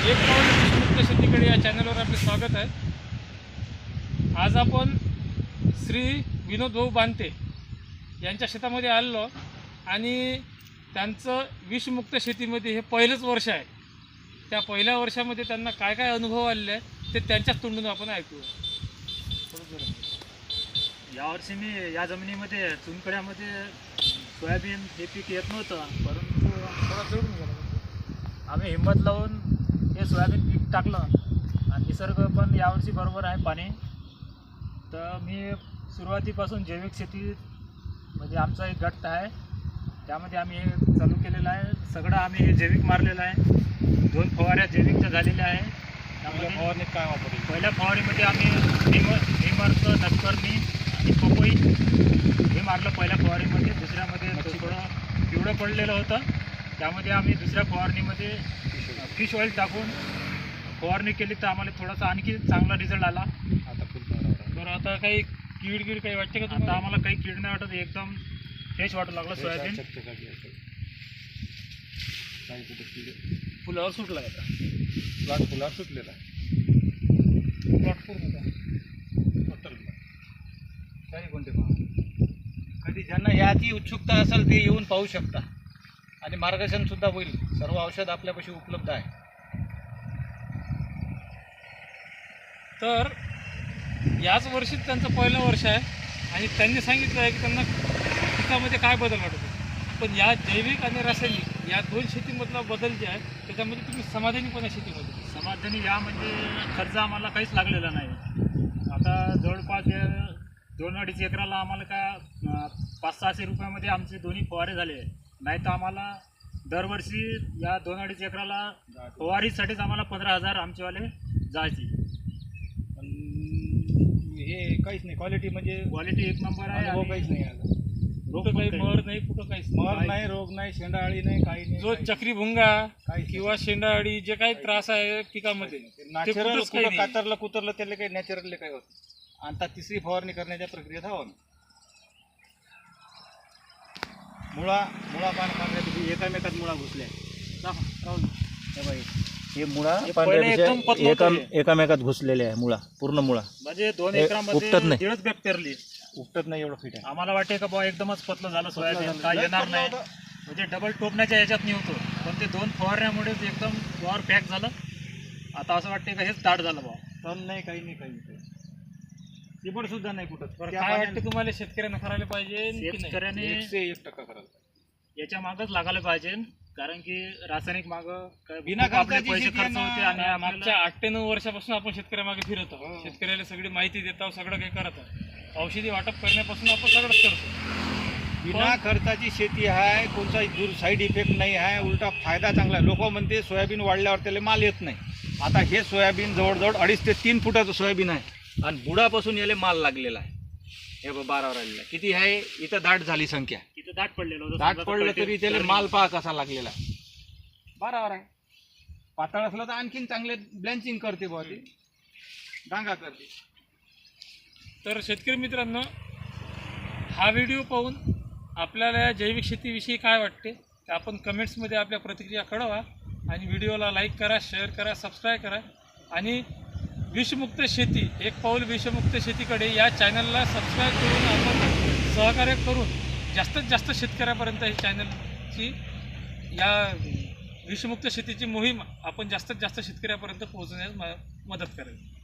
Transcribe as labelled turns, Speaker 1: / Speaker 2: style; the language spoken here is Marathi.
Speaker 1: एक पाऊल विषमुक्त शेतीकडे या चॅनलवर आपले स्वागत आहे। आज आपण श्री विनोद भाऊ बांते यांच्या शेतामध्ये आलेलो आणि त्यांचं विषमुक्त शेतीमध्ये हे पहिलंच वर्ष आहे। त्या पहिल्या वर्षामध्ये त्यांना काय काय अनुभव आलेले आहे ते त्यांच्याच तोंडून आपण ऐकूया।
Speaker 2: यावर्षी मी या जमिनीमध्ये चुनखड्यामध्ये सोयाबीन हे पीक येत नव्हतं, परंतु थोडा जळून गेला। आम्ही हिंमत लावून हे सोयाबीन पीक टाकलं आणि निसर्ग पण यावर्षी बरोबर आहे पाणी। तर मी सुरुवातीपासून जैविक शेती म्हणजे आमचा एक गट आहे, त्यामध्ये आम्ही हे चालू केलेलं आहे। सगळं आम्ही हे जैविक मारलेलं आहे। 2 फवाऱ्या जैविकच्या झालेल्या आहे। त्यामध्ये
Speaker 1: फवारणीत काय वापरले?
Speaker 2: पहिल्या फवारीमध्ये आम्ही निमरचं नटकर्णी आणि पपई हे मारलं पहिल्या फवारीमध्ये। दुसऱ्यामध्ये थोडं पिवळं पडलेलं होतं, त्यामध्ये आम्ही दुसऱ्या फवारणीमध्ये फिश ऑइल टाकून फवारणी केली तर आम्हाला थोडासा आणखी चांगला रिझल्ट आला।
Speaker 1: आता खूप बरं। आता काही कीड काही वाटते का?
Speaker 2: आता आम्हाला काही कीड नाही वाटत, एकदम फ्रेश वाटू लागलं सोयाबीन।
Speaker 1: फुलावर सुटला आता,
Speaker 3: प्लॉट फुलावर सुटलेला
Speaker 1: प्लॉट पूर्ण
Speaker 3: काही कोणते कधी ज्यांना याची उत्सुकता असेल ते येऊन पाहू शकता आणि मार्गदर्शन सुद्धा होईल। सर्व औषध आपल्यापाशी उपलब्ध आहे।
Speaker 1: तर याच वर्षी त्यांचं पहिलं वर्ष आहे आणि त्यांनी सांगितलं आहे की त्यांना पिकामध्ये काय बदल वाटतो। पण या जैविक आणि रासायनिक या 2 शेतीमधला बदल जे आहे त्याच्यामध्ये तुम्ही समाधानी पण आहे शेतीमध्ये?
Speaker 2: समाधानी या म्हणजे खर्च आम्हाला काहीच लागलेला नाही। आता जवळपास 2-2.5 एकराला आम्हाला का 500-600 रुपयामध्ये आमचे दोन्ही फवारे झाले। नाही तर आम्हाला दरवर्षी या 2-2.5 एकराला फवारीसाठीच आम्हाला 15,000 आमचेवाले जायचे।
Speaker 3: हे काहीच नाही, क्वालिटी म्हणजे
Speaker 2: क्वालिटी एक नंबर आहे।
Speaker 3: अनुभव काहीच नाही आला।
Speaker 1: कुठं काही मर नाही, कुठं काहीच
Speaker 3: मर नाही, रोग नाही, शेंडाळी नाही, काही नाही।
Speaker 1: जो चक्री भुंगा
Speaker 3: काहीच
Speaker 1: किंवा शेंडाअळी जे काही त्रास आहे पिकामध्ये
Speaker 3: नॅचरल
Speaker 1: कुठंच काही
Speaker 3: कुठं
Speaker 1: नाही.
Speaker 3: कातरलं कुतरलं त्याला काही नॅचरल काही होत नाही। आता तिसरी फवारणी करण्याच्या प्रक्रियेत आहोत। मुळा पान पांढऱ्या एकामेकात मुळा घुसल्या। हे मुळा
Speaker 2: पहिले एकदम पतलं होतं हे.
Speaker 3: एकामेकात घुसलेले आहे। मुळा पूर्ण मुळा
Speaker 2: म्हणजे 2
Speaker 3: हे
Speaker 2: एकरामध्ये
Speaker 3: उपटत नाही.
Speaker 2: 1.5 बॅग पेरली।
Speaker 3: उपटत नाही एवढं फिट आहे।
Speaker 2: आम्हाला वाटते का बा एकदमच पतलं झालं सोयाबीन,
Speaker 3: झालं.
Speaker 2: काय
Speaker 3: लय
Speaker 2: येणार
Speaker 3: पतलं
Speaker 2: नाही,
Speaker 3: होतं.
Speaker 2: म्हणजे डबल टोपण्याच्या याच्यात नाही होतो। पण ते 2 फवारण्यामुळेच एकदम फ्लॉवर पॅक झालं। आता असं वाटते का हेच दाट झालं बा।
Speaker 3: तण नाही, काही नाही, काही नाही। चिबड सुद्धा नाही कुठं।
Speaker 1: बरं, काय वाटतं तुम्हाला शेतकऱ्यांना करायला पाहिजे की नाही?
Speaker 2: शेतकऱ्याने
Speaker 3: 101% करायला पाहिजे।
Speaker 2: याच्या मागच लागायला पाहिजे, कारण की रासायनिक माग
Speaker 3: बिना
Speaker 2: आपले
Speaker 3: खर्चाची
Speaker 2: पैसे
Speaker 3: शेती
Speaker 2: खर्च
Speaker 3: आहे ना.
Speaker 2: होते आणि
Speaker 1: मागच्या 8 ते 9 वर्षापासून आपण शेतकऱ्यामागे फिरत आहोत।
Speaker 3: हो.
Speaker 1: शेतकऱ्याला सगळी माहिती देत आहोत, सगळं काही करत आहोत। औषधी वाटप करण्यापासून आपण सगळंच करतो।
Speaker 3: बिना खर्चाची शेती आहे, कोणता दूर साईड इफेक्ट नाही आहे, उलटा फायदा चांगला आहे। लोक म्हणते सोयाबीन वाढल्यावर त्याला माल येत नाही। आता हे सोयाबीन जवळजवळ 2.5 ते 3 फुटाचं सोयाबीन आहे आणि बुडापासून याला माल लागलेला आहे। हे 12 राहिलेला किती आहे, इथं दाट झाली संख्या,
Speaker 2: तिथं दाट पडलेलं होतं।
Speaker 3: दाट
Speaker 2: समजा
Speaker 3: पडलं
Speaker 2: कळते-
Speaker 3: तरी त्याला माल पहा कसा लागलेला आहे। 12 आहे। पातळ असलं तर आणखीन चांगले ब्लँचिंग करते बुवा, ती डांगा करते।
Speaker 1: तर शेतकरी मित्रांनो, हा व्हिडिओ पाहून आपल्याला या जैविक शेतीविषयी काय वाटते ते आपण कमेंट्समध्ये आपल्या प्रतिक्रिया कळवा आणि व्हिडिओला लाईक करा, शेअर करा, सबस्क्राईब करा आणि विषमुक्त शेती एक पाऊल विषमुक्त शेतीकडे या चॅनलला सबस्क्राईब करून आपण सहकार्य करून जास्तीत जास्त शेतकऱ्यापर्यंत ही चॅनलची या विषमुक्त शेतीची मोहीम आपण जास्तीत जास्त शेतकऱ्यापर्यंत पोहोचण्यास मदत करेल।